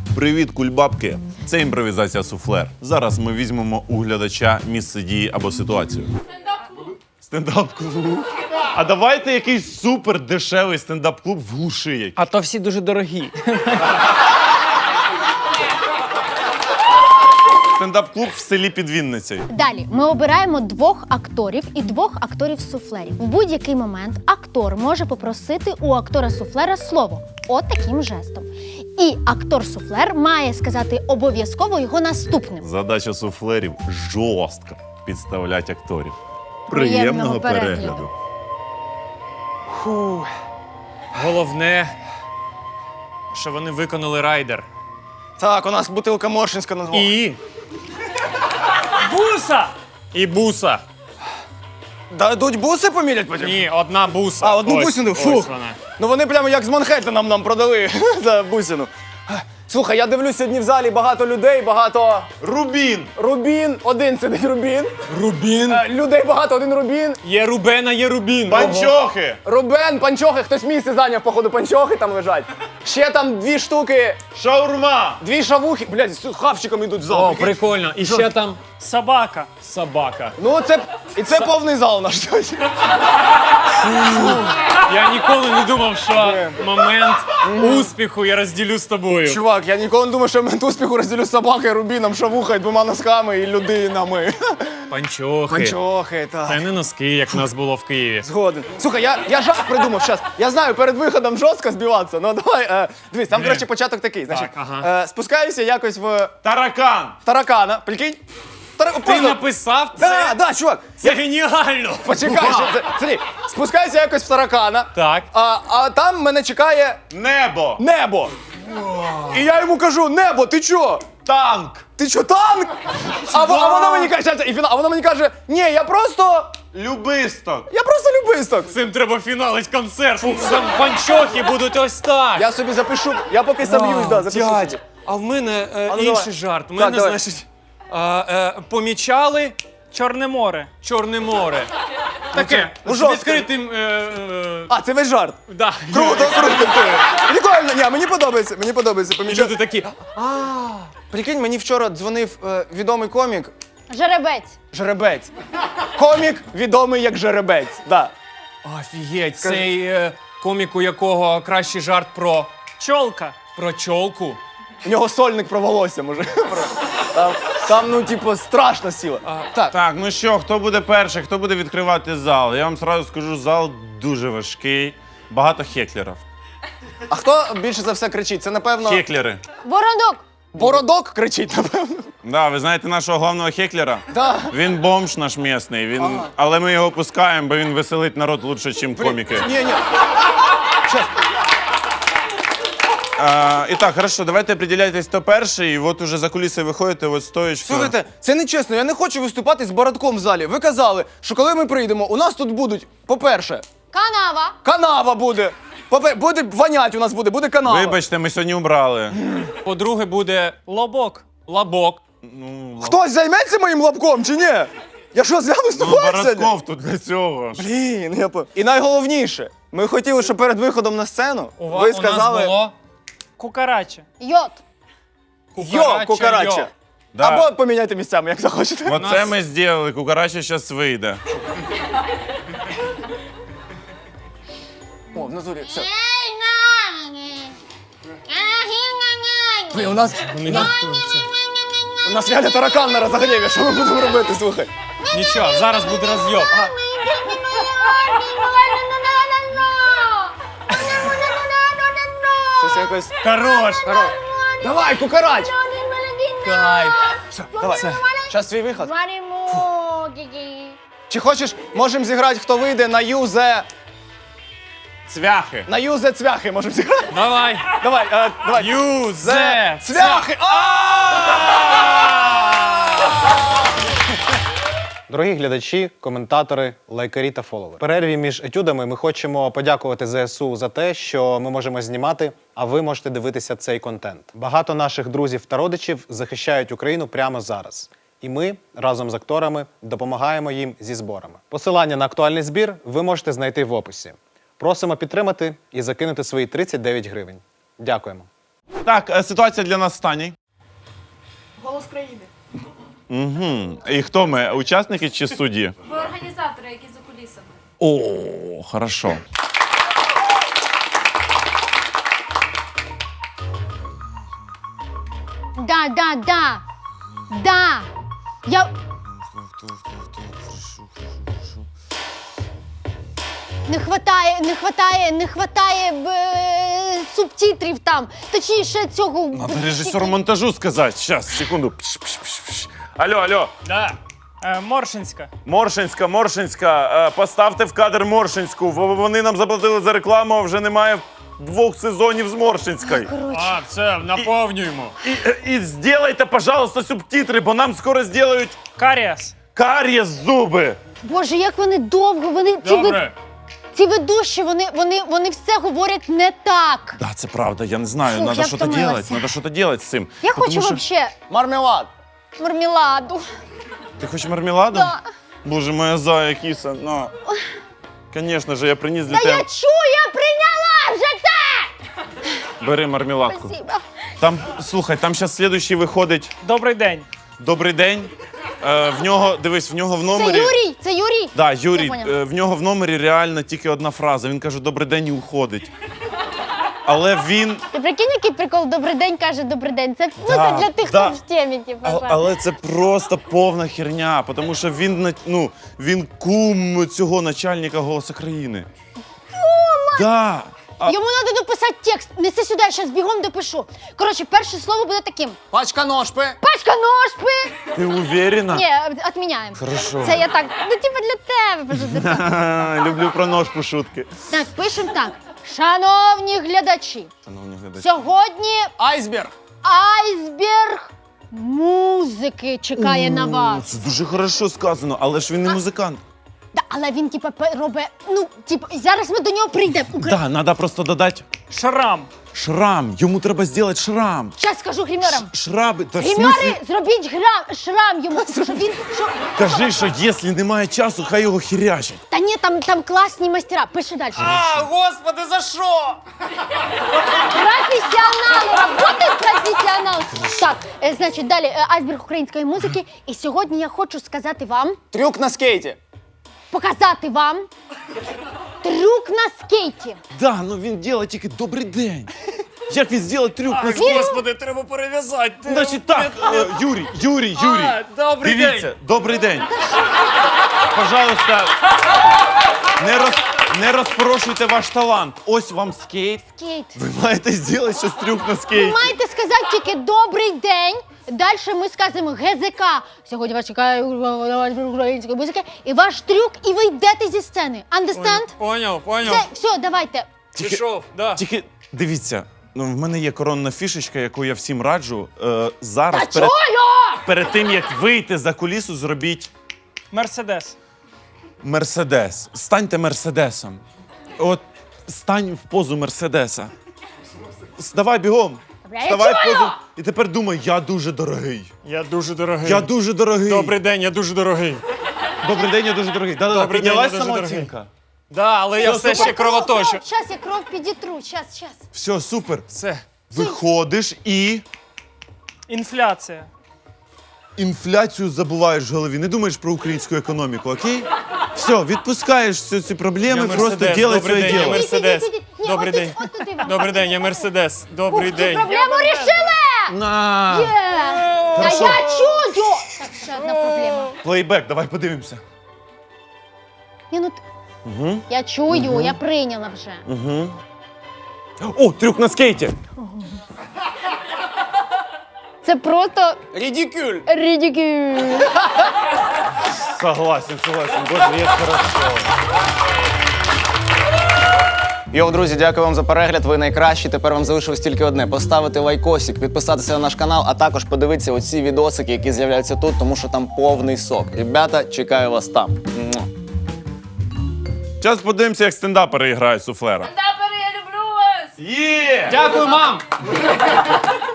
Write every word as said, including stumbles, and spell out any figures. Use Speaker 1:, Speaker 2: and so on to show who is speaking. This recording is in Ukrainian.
Speaker 1: Привіт, кульбабки! Це імпровізація суфлер. Зараз ми візьмемо у глядача місце дії або ситуацію. Стендап-клуб. Стендап-клуб. А давайте якийсь супер дешевий стендап-клуб в глуши.
Speaker 2: А то всі дуже дорогі.
Speaker 1: Стендап-клуб в селі під Вінницею.
Speaker 3: Далі ми обираємо двох акторів і двох акторів-суфлерів. В будь-який момент актор може попросити у актора-суфлера слово. От таким жестом. І актор-суфлер має сказати обов'язково його наступним.
Speaker 1: Задача суфлерів – жорстко підставляти акторів.
Speaker 3: Приємного
Speaker 1: Приємного
Speaker 3: перегляду.
Speaker 1: перегляду.
Speaker 2: Фу. Головне, що вони виконали райдер.
Speaker 4: Так, у нас бутилка Моршинська на двох.
Speaker 2: І... Буса! І буса.
Speaker 4: Дадуть буси помірять потім?
Speaker 2: Ні, одна буса.
Speaker 4: А, одну
Speaker 2: Ось,
Speaker 4: бусину?
Speaker 2: ось
Speaker 4: Фух.
Speaker 2: вона.
Speaker 4: Ну вони прямо як з Манхеттеном нам продали за бусину. Слухай, я дивлюсь сьогодні в залі багато людей, багато...
Speaker 1: Рубін!
Speaker 4: Рубін, один сидить Рубін.
Speaker 2: Рубін.
Speaker 4: Е, Людей багато, один Рубін.
Speaker 2: Є Рубена, є Рубін.
Speaker 1: Панчохи!
Speaker 4: Рубен, панчохи, хтось місце зайняв, походу, панчохи там лежать. Ще там дві штуки,
Speaker 1: Шаурма!
Speaker 4: дві шавухи, блядь, з хавчиком йдуть в зал.
Speaker 2: О, прикольно. І ще там собака. Собака.
Speaker 4: Ну, це, і це повний зал наш.
Speaker 2: Я ніколи не думав, що момент успіху я розділю з тобою.
Speaker 4: Чувак, я ніколи не думав, що я момент успіху розділю з собакою, Рубіном, шавухою, двома носками і людинами.
Speaker 2: Панчохи.
Speaker 4: Панчохи, так.
Speaker 2: Це не носки, як в нас було в Києві.
Speaker 4: Згоден. Слухай, я, я жарт придумав зараз. Я знаю, перед виходом жорстко збиватися. Ну давай, е, дивись, там, коротше, початок такий. Значить,
Speaker 2: ага.
Speaker 4: е, спускаюся якось в
Speaker 1: Таракан!
Speaker 4: таракана. Прикинь? Тара...
Speaker 2: Ти
Speaker 4: Просто...
Speaker 2: написав це?
Speaker 4: Да, да, чувак.
Speaker 2: Це геніально!
Speaker 4: Почекай, що це. Смотри, спускаюся якось в таракана.
Speaker 2: Так.
Speaker 4: А, а там мене чекає
Speaker 1: Небо!
Speaker 4: небо. І я йому кажу: небо, ти чо?
Speaker 1: Танк!
Speaker 4: Ти чо, танк? А, во- а вона мені каже, і фінал, а вона мені каже: ні, я просто.
Speaker 1: Любисток!
Speaker 4: Я просто любисток.
Speaker 2: Цим треба фіналить концерт. Там панчохи будуть ось так.
Speaker 4: Я собі запишу, я поки соб'юсь, да, запишу.
Speaker 2: Дядь,
Speaker 4: собі.
Speaker 2: а в мене е,
Speaker 4: А ну,
Speaker 2: інший
Speaker 4: давай.
Speaker 2: жарт. У
Speaker 4: Так,
Speaker 2: мене,
Speaker 4: давай.
Speaker 2: значить, а, е, помічали
Speaker 5: Чорне море.
Speaker 2: Чорне море. Таке,
Speaker 4: ну,
Speaker 2: з
Speaker 4: жорстко.
Speaker 2: відкритим... Е, е,
Speaker 4: А, це весь жарт.
Speaker 2: да.
Speaker 4: Круто, круто. Прикольно, ні, мені подобається, мені подобається.
Speaker 2: І
Speaker 4: Помічати.
Speaker 2: люди такі,
Speaker 4: Прикинь, мені вчора дзвонив е, відомий комік
Speaker 3: Жеребець.
Speaker 4: Жеребець. Комік відомий як Жеребець. Да.
Speaker 2: офігеть, цей е, комік, у якого кращий жарт про,
Speaker 5: Чолка.
Speaker 2: про чолку.
Speaker 4: У нього сольник про волосся, може. Там, там ну, типу, страшно сіло. Так,
Speaker 1: Так, ну що, хто буде перший, хто буде відкривати зал? Я вам сразу скажу, зал дуже важкий, багато хеклерів.
Speaker 4: а хто більше за все кричить? Це, напевно,
Speaker 1: Хеклери.
Speaker 3: Бородок.
Speaker 4: Бородок кричить, напевно.
Speaker 1: Да, ви знаєте нашого головного хеклера?
Speaker 4: Да.
Speaker 1: Він бомж наш місний, він... але ми його пускаємо, бо він веселить народ лучше, ніж коміки.
Speaker 4: Ні, ні. Щас.
Speaker 1: А, і так, хорошо, давайте определяйтесь, хто перший, і от уже за куліси виходите, от стоїчка.
Speaker 4: Слухайте, це не чесно, я не хочу виступати з бородком в залі. Ви казали, що коли ми прийдемо, у нас тут будуть, по-перше,
Speaker 3: Канава.
Speaker 4: канава буде. Попе- Буде вонять у нас буде, буде канава.
Speaker 1: Вибачте, ми сьогодні убрали.
Speaker 2: По-друге, буде
Speaker 5: Лобок.
Speaker 2: лабок.
Speaker 1: Ну,
Speaker 4: Хтось займеться моїм лобком чи ні? Я що, зря
Speaker 1: ну
Speaker 4: виступаю сьогодні?
Speaker 1: Бородков тут для цього. ж.
Speaker 4: Блін, я по... І найголовніше, ми хотіли, щоб перед виходом на сцену
Speaker 2: У, ва-
Speaker 4: ви
Speaker 2: у
Speaker 4: сказали
Speaker 2: нас було
Speaker 5: Кукарача.
Speaker 3: Йод.
Speaker 4: йо, кукарача.
Speaker 2: йо.
Speaker 1: Да.
Speaker 4: Або поміняйте місцями, як захочете.
Speaker 1: Оце
Speaker 2: нас-
Speaker 1: ми зробили, кукарача зараз вийде.
Speaker 4: О, в натурі, все. Блін, у нас,
Speaker 2: Вони готуються.
Speaker 4: у нас реально таракан на розогріві, що ми будемо робити, слухай.
Speaker 2: Нічого, зараз буде розйоб.
Speaker 4: Щось якось...
Speaker 2: Хорош.
Speaker 4: Давай, кукарач!
Speaker 2: Кайф.
Speaker 4: Все, давай. Зараз твій виход.
Speaker 3: Мариму. Гі-гі.
Speaker 4: Чи хочеш, можемо зіграти, хто вийде на юзе...
Speaker 1: Цвяхи.
Speaker 4: На юзе цвяхи можемо зіграти.
Speaker 2: Давай.
Speaker 4: Давай, е, давай.
Speaker 2: Юзе.
Speaker 4: Цвяхи!
Speaker 6: Дорогі глядачі, коментатори, лайкарі та фоловери. В перерві між етюдами ми хочемо подякувати ЗСУ за те, що ми можемо знімати, а ви можете дивитися цей контент. Багато наших друзів та родичів захищають Україну прямо зараз. І ми разом з акторами допомагаємо їм зі зборами. Посилання на актуальний збір ви можете знайти в описі. Просимо підтримати і закинути свої тридцять дев'ять гривень. Дякуємо.
Speaker 1: Так, е, ситуація для нас Стані.
Speaker 7: Голос країни.
Speaker 1: Угу. І хто ми? Учасники чи судді?
Speaker 7: Ви організатори, які за кулісами.
Speaker 1: О, хорошо.
Speaker 3: Да, да, да. Да. Я. Не хватає, не хватає, не хватає е, субтитрів там. Точніше цього.
Speaker 1: Надо режисеру монтажу сказати. Щас, секунду. Пш, пш, пш, пш. Алло, алло.
Speaker 5: Да. Е, Моршинська.
Speaker 1: Моршинська, Моршинська. Е, Поставте в кадр Моршинську. В- Вони нам заплатили за рекламу, а вже немає двох сезонів з Моршинської.
Speaker 3: Коротше.
Speaker 2: А, все, наповнюємо.
Speaker 1: І, і зробайте, пожалуйста, субтитри, бо нам скоро зроблять
Speaker 5: Каріас.
Speaker 1: карієс зуби.
Speaker 3: Боже, як вони довго, вони ці, ви,
Speaker 2: Добре.
Speaker 3: ці ведущі, вони, вони, вони все говорять не так.
Speaker 1: Да, це правда, я не знаю,
Speaker 3: Фух,
Speaker 1: треба
Speaker 3: я
Speaker 1: щось
Speaker 3: втомилася.
Speaker 1: робити, треба щось робити з цим.
Speaker 3: Я
Speaker 1: Потому
Speaker 3: хочу
Speaker 1: що-
Speaker 3: вообще
Speaker 4: Мармелад.
Speaker 3: мармеладу.
Speaker 1: Ти хочеш мармеладу?
Speaker 3: Да.
Speaker 1: Боже, моя зая, кіса, на. Звісно ж, я приніс для
Speaker 3: Та
Speaker 1: тебе.
Speaker 3: я чую, я прийняла вже це!
Speaker 1: Бери мармеладку.
Speaker 3: Спасибо.
Speaker 1: Там, слухай, там зараз слідуючий виходить
Speaker 5: Добрий день.
Speaker 1: Добрий день. Е, в нього, дивись, в нього в
Speaker 3: Це
Speaker 1: номері.
Speaker 3: Юрій, це Юрій.
Speaker 1: Да,
Speaker 3: Я
Speaker 1: Юрій,
Speaker 3: поняла.
Speaker 1: е, в нього в номері реально тільки одна фраза. Він каже «Добрий день» і уходить. Але він.
Speaker 3: Ти прикинь, який прикол «Добрий день» каже «Добрий день». Це, ну,
Speaker 1: Да,
Speaker 3: це для тих,
Speaker 1: да.
Speaker 3: хто в темі, типу.
Speaker 1: А- але це просто повна херня, тому що він на- ну, він кум цього начальника «Голоса країни». Да. А,
Speaker 3: Йому треба дописати текст. Неси сюди, я зараз бігом допишу. Коротше, перше слово буде таким.
Speaker 4: Пачка ножпи.
Speaker 3: Пачка ножпи!
Speaker 1: ти уверена?
Speaker 3: Ні, відміняємо.
Speaker 1: Хорошо.
Speaker 3: Це я так, ну типу для тебе. пожалуйста.
Speaker 1: Ха, люблю про ножку шутки.
Speaker 3: Так, пишемо так. Шановні глядачі,
Speaker 1: Шановні глядачі.
Speaker 3: сьогодні
Speaker 4: Айсберг.
Speaker 3: айсберг музики чекає на вас.
Speaker 1: Це дуже хорошо сказано, але ж він не музикант.
Speaker 3: Да, але він, типу, робить, ну, типу, зараз ми до нього прийдемо. Укра...
Speaker 1: Да, треба просто додати
Speaker 5: Шрам.
Speaker 1: шрам. Йому треба зробити шрам.
Speaker 3: Зараз скажу гримерам.
Speaker 1: Шраби. Та в
Speaker 3: Гримери,
Speaker 1: смислі?
Speaker 3: зробіть грам, шрам йому, щоб він, що...
Speaker 1: Кажи, що якщо немає часу, хай його хірячать.
Speaker 3: Та ні, там, там класні майстера. Пиши далі.
Speaker 4: А, господи, за що?
Speaker 3: Професіонал, работает професіонал. Так, е, значить, далі е, айсберг української музики. І сьогодні я хочу сказати вам,
Speaker 4: Трюк на скейті.
Speaker 3: показати вам трюк на скейті.
Speaker 1: Да, ну він робить тільки добрий день. Як він зробить трюк на скейті?
Speaker 2: Господи, треба перев'язати.
Speaker 1: Значить так, е, Юрій, Юрій, Юрій.
Speaker 2: А, добрий
Speaker 1: Дивіться,
Speaker 2: день.
Speaker 1: добрий день. Пожалуйста, не, роз, не розпорошуйте ваш талант. Ось вам скейт.
Speaker 3: Скейт.
Speaker 1: Ви маєте зробити щось трюк на
Speaker 3: Ви
Speaker 1: скейті.
Speaker 3: маєте сказати тільки добрий день. Далі ми скажемо ГЗК. Сьогодні вас чекає української музики. І ваш трюк, і ви йдете зі сцени. Understand?
Speaker 2: Поняв, поняв.
Speaker 3: Все, все, давайте.
Speaker 2: Пішов, да.
Speaker 1: Тільки дивіться, ну, в мене є коронна фішечка, яку я всім раджу. Е, зараз
Speaker 3: Та
Speaker 1: перед,
Speaker 3: чую!
Speaker 1: перед тим, як вийти за кулісу, зробіть
Speaker 5: Мерседес.
Speaker 1: Мерседес. Станьте Мерседесом. От стань в позу Мерседеса. С- Давай бігом.
Speaker 3: Добре, я
Speaker 1: Вставай в
Speaker 3: чую!
Speaker 1: позу. І тепер думай, я дуже дорогий.
Speaker 2: Я дуже дорогий.
Speaker 1: Я дуже дорогий.
Speaker 2: Добрий день, я дуже дорогий.
Speaker 1: Добрий день, я дуже дорогий. Да-да-да,
Speaker 2: Добрий день,
Speaker 1: піднялась
Speaker 2: я дуже
Speaker 1: самооцінка.
Speaker 2: Да, але я все ще кровоточу.
Speaker 3: Зараз я кров підітру, зараз, зараз.
Speaker 1: Все, супер.
Speaker 2: Все.
Speaker 1: Виходиш і
Speaker 5: Інфляція.
Speaker 1: інфляцію забуваєш в голові. Не думаєш про українську економіку, окей? Все, відпускаєш всі ці проблеми,
Speaker 2: Я
Speaker 1: просто
Speaker 2: Мерседес,
Speaker 1: делай
Speaker 2: добрий
Speaker 1: своє
Speaker 2: день, я
Speaker 1: діло.
Speaker 2: Мерседес.
Speaker 3: Ідіть, ідіть, ідіть. Ні,
Speaker 2: Добрий
Speaker 3: от
Speaker 2: день.
Speaker 3: тут- от туди вам.
Speaker 2: Добрий день, я Мерседес. Добрий
Speaker 3: Ух, цю
Speaker 2: день.
Speaker 3: проблему рішили!
Speaker 1: На!
Speaker 3: Є! Та
Speaker 1: Хорошо.
Speaker 3: я чую! Так, ще одна проблема.
Speaker 1: Плейбек, давай подивимося.
Speaker 3: Ні, ну, т- Я чую, я прийняла вже.
Speaker 1: О, трюк на скейті.
Speaker 3: Це просто
Speaker 4: Рідікюль.
Speaker 3: рідікюль.
Speaker 1: Согласен, согласен. Боже, як хорошо.
Speaker 4: Йоу, друзі, дякую вам за перегляд. Ви найкращі. Тепер вам залишилось тільки одне: поставити лайкосик, підписатися на наш канал, а також подивитися оці відосики, які з'являються тут, тому що там повний сок. Ребята, чекаю вас там. Муа.
Speaker 1: Зараз подивимося, як стендапери грають суфлера.
Speaker 7: Стендапери, я люблю вас!
Speaker 1: Є!
Speaker 2: Дякую, мам!